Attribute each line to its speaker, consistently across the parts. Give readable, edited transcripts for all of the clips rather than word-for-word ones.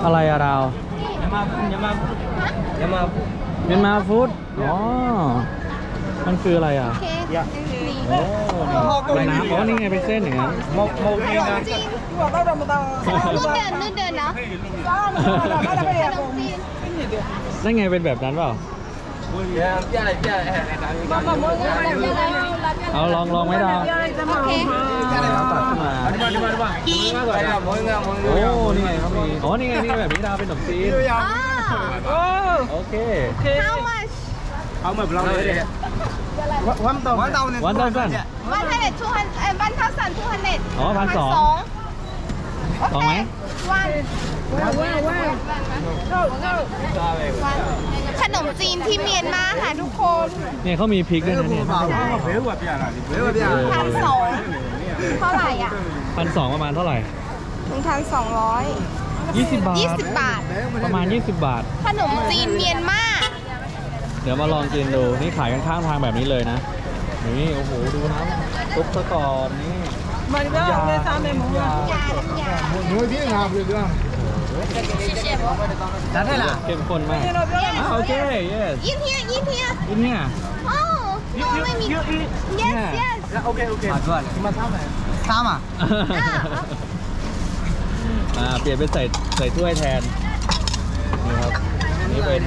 Speaker 1: อะไรอะดาว
Speaker 2: ยามาฟูด
Speaker 1: เมียนมาฟู้ดอ๋อมันคืออะไรอ่ะ
Speaker 3: โอเค
Speaker 1: โอ้เป็นน้ำอ๋อนี่ไงเป็นเส้นอย่างนั้น
Speaker 2: โมจีน
Speaker 3: จริงนู่นเดินเนาะขนมจีน
Speaker 1: นั่นไงเป็นแบบนั้นเปล่าเอาลองไหมดาว
Speaker 3: โอเค
Speaker 1: ตัดขึ้นมาโอ้นี่ไงเขามีอ๋อนี่ไงนี่แบบนี้ดาวเป็นขนมจีน
Speaker 3: อ๋อ
Speaker 1: โอเค
Speaker 3: how much
Speaker 2: เอาเหมือนเราเลยวันต่อ
Speaker 1: วันสั้น
Speaker 3: 100 200 1,200
Speaker 1: อ๋อ1,200 ลองไหม
Speaker 3: ขนมจีนที่เมียนมาค่ะทุกคน
Speaker 1: เนี่ยเขามีพริกด้วยนะเนี่ย
Speaker 3: 1,200เท่าไหร่อ่ะ
Speaker 1: 1,200ประมาณเท่าไหร่
Speaker 3: 1,200
Speaker 1: 20 บาท
Speaker 3: 20 บาท
Speaker 1: ประมาณ 20 บาท
Speaker 3: ขนมจีนเมียนมา
Speaker 1: เดี๋ยวมาลองกินดู นี่ขายกันข้างทางแบบนี้เลยนะ นี่ โอ้โห ดูน้ำซุปซะก่อนนี่ยา
Speaker 3: ยาน้ำยา
Speaker 2: จัดให้ล่ะ
Speaker 1: เข้มข้นมากโอเค yes
Speaker 3: ยินเฮีย
Speaker 1: อินเนี่ย
Speaker 3: โอ้ไม่มี yes yes
Speaker 2: โอเคมาด้วยมาทำไหนทำอ่ะ
Speaker 1: เปลี่ยนเป็นใส่ถ้วยแทน นี่ครับ นี่เป็น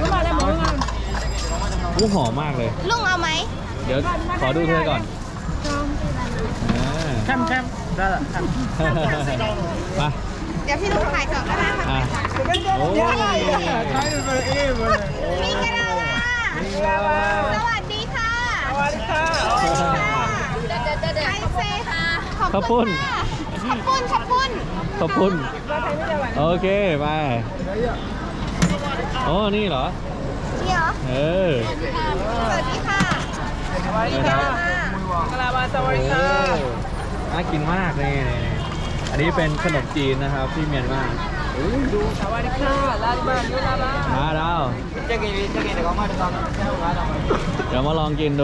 Speaker 1: หอมมากเลย
Speaker 3: ลุงเอาไหม
Speaker 1: เดี๋ยวขอดูเธอก่อน
Speaker 2: แคมได้ละ
Speaker 1: มา
Speaker 3: เดี๋ยวพี่ลุงถ่ายก่อนก็ได้ค่ะ
Speaker 1: อ่ะโอ้ย
Speaker 3: มีกระดาษสวัสดีค่ะสวัสดีค่ะไอเซค่ะขอบคุณขอบคุณ
Speaker 1: ขอบคุณ โอเค ไปโอ้นี่เหรอ
Speaker 3: นี่เหรอ
Speaker 1: เออ
Speaker 3: สวัสดีค่ะ
Speaker 1: สวัสดีครับน่ากินมากนี่อันนี้เป็นขนมจีนนะครับที่เมียนมามาดาวเดี๋ยวมาลองกินดู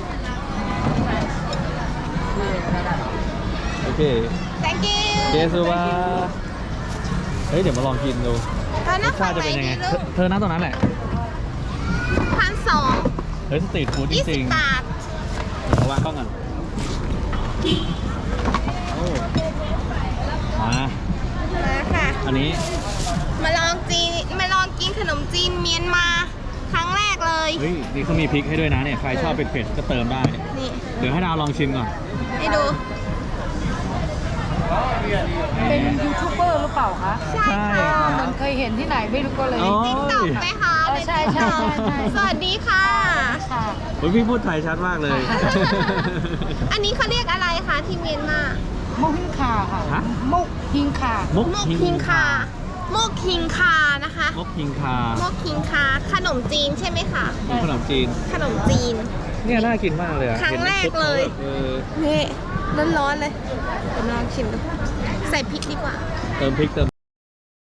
Speaker 1: โอเค
Speaker 3: thank you
Speaker 1: เจสุบาเฮ้ย เดี๋ยวมาลองกินดู
Speaker 3: แล้ว
Speaker 1: ร
Speaker 3: นั่
Speaker 1: ส
Speaker 3: ง
Speaker 1: ชา
Speaker 3: ฝั่
Speaker 1: ติ
Speaker 3: ง
Speaker 1: จะ
Speaker 3: ไหน
Speaker 1: เป็นยังไง
Speaker 3: ดีลูก
Speaker 1: เธอนั่งตรงนั้นแหละ
Speaker 3: 1,200
Speaker 1: เฮ้ยสตรีทฟู้ดจริง
Speaker 3: 20 บาท
Speaker 1: ๆเอาวางกล้องก่อนโอ้มา
Speaker 3: มาค่ะ
Speaker 1: อันนี้
Speaker 3: มาลองกินขนมจีนเมียนมาครั้งแรกเลย
Speaker 1: เฮ้ย นี่เขามีพริกให้ด้วยนะเนี่ย ใครชอบเผ็ดๆก็เติมได้
Speaker 3: นี่
Speaker 1: เดี๋ยวให้ดาวลองชิมก่อน
Speaker 3: ให้ดู
Speaker 4: เป็นยูทูบเบอร์หรือเปล่าคะ
Speaker 3: ใช่ค่ะ
Speaker 4: เหมือนเคยเห็นที่ไหนไม่รู้ก็เลย
Speaker 1: อ๋อ
Speaker 3: ติ๊กต็อกไหมคะ
Speaker 4: ใช่
Speaker 3: สวัสดีค่ะ
Speaker 4: ค่ะ
Speaker 1: เฮ้ยพี่พูดไทยชัดมากเลย
Speaker 3: อันนี้เขาเรียกอะไรคะที่เมียนมา
Speaker 4: มุกฮิงคาค่ะ
Speaker 1: ฮะ
Speaker 4: มุกฮิงคา
Speaker 1: มุก
Speaker 3: โมกคิงคาโมกคิงคานะคะ
Speaker 1: มกพิงคา
Speaker 3: โมกคิงคาขนมจีนใช่ไหมคะ
Speaker 1: เป็นขนมจีน
Speaker 3: ขนมจีน
Speaker 1: เนี่ยน่ากินมากเลยอะ
Speaker 3: ครั้งแรกเลย
Speaker 1: เออ
Speaker 3: นี่ร้อนๆเลยเดี๋ยวลองชิมดูใส่พริกดีกว่า
Speaker 1: เติมพริกเติม